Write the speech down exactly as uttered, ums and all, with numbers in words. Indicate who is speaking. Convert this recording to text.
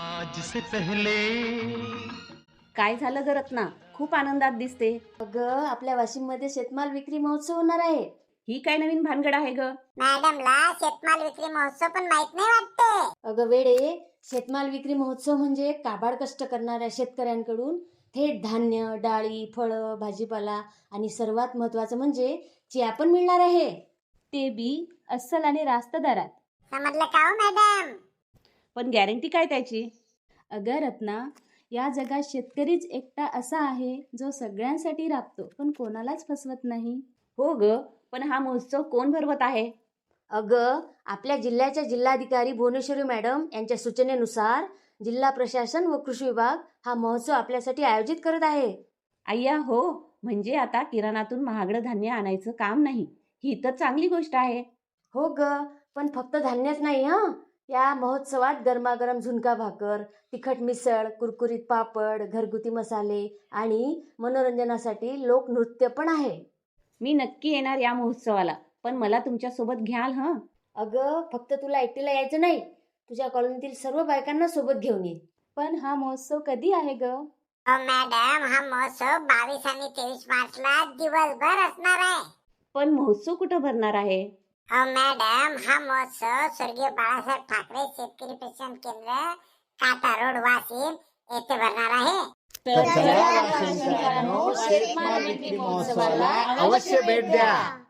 Speaker 1: आज से पहले
Speaker 2: काय झालं ग रत्ना? खूप आनंदात दिसते.
Speaker 3: अगं आपल्या वाशिम मध्ये शेतमाल विक्री महोत्सव होणार आहे.
Speaker 2: ही काय नवीन भानगड आहे ग?
Speaker 4: मॅडमला शेतमाल विक्री महोत्सव पण माहित नाही वाटते.
Speaker 3: अगं वेडे, शेतमाल विक्री महोत्सव म्हणजे काबाड कष्ट करणाऱ्या शेतकऱ्यांकडून थेट धान्य, डाळी, फळं, भाजीपाला आणि सर्वात महत्वाचं म्हणजे चिया पण मिळणार आहे.
Speaker 2: ते बी अस्सल आणि रास्त दरात.
Speaker 4: समजलं का हो मॅडम?
Speaker 2: पण गॅरंटी काय त्याची?
Speaker 5: अगं रत्ना, या जगात शेतकरीच एकटा असा आहे जो सगळ्यांसाठी राबतो पण कोणालाच फसवत नाही.
Speaker 2: हो ग, पण हा महोत्सव कोण भरवत आहे?
Speaker 3: अगं आपल्या जिल्ह्याच्या जिल्हाधिकारी भुवनेश्वरी मॅडम यांच्या सूचनेनुसार जिल्हा प्रशासन व कृषी विभाग हा महोत्सव आपल्यासाठी आयोजित करत आहे.
Speaker 2: अय्या हो, म्हणजे आता किराणातून महागडं धान्य आणायचं काम नाही. ही तर चांगली गोष्ट आहे.
Speaker 3: हो ग, पण फक्त धान्यच नाही हा. या महोत्सवात गरमागरम झुणका भाकर, तिखट मिसळ, कुरकुरीत पापड, घरगुती मसाले आणि मनोरंजनासाठी लोकनृत्य पण आहे.
Speaker 2: मी नक्की येणार या महोत्सवाला, पण मला तुमच्या सोबत घ्याल हं?
Speaker 3: अगं फक्त तुला एकटीला यायचं नाही, तुझ्या कॉलनीतील सर्व बायकांना सोबत घेऊन ये.
Speaker 5: पण हा महोत्सव कधी आहे ग?
Speaker 4: हो मॅडम, हा महोत्सव बावीस आणि तेवीस मार्चला दिवसभर असणार आहे.
Speaker 2: पण महोत्सव कुठं भरणार आहे?
Speaker 4: हो मॅडम, हा महोत्सव स्वर्गीय बाळासाहेब ठाकरे शेतकरी प्रशिक्षण केंद्र, काटा रोड, वाशिम येथे भरणार आहे.
Speaker 1: शेतमाल विक्री महोत्सवाला अवश्य भेट द्या.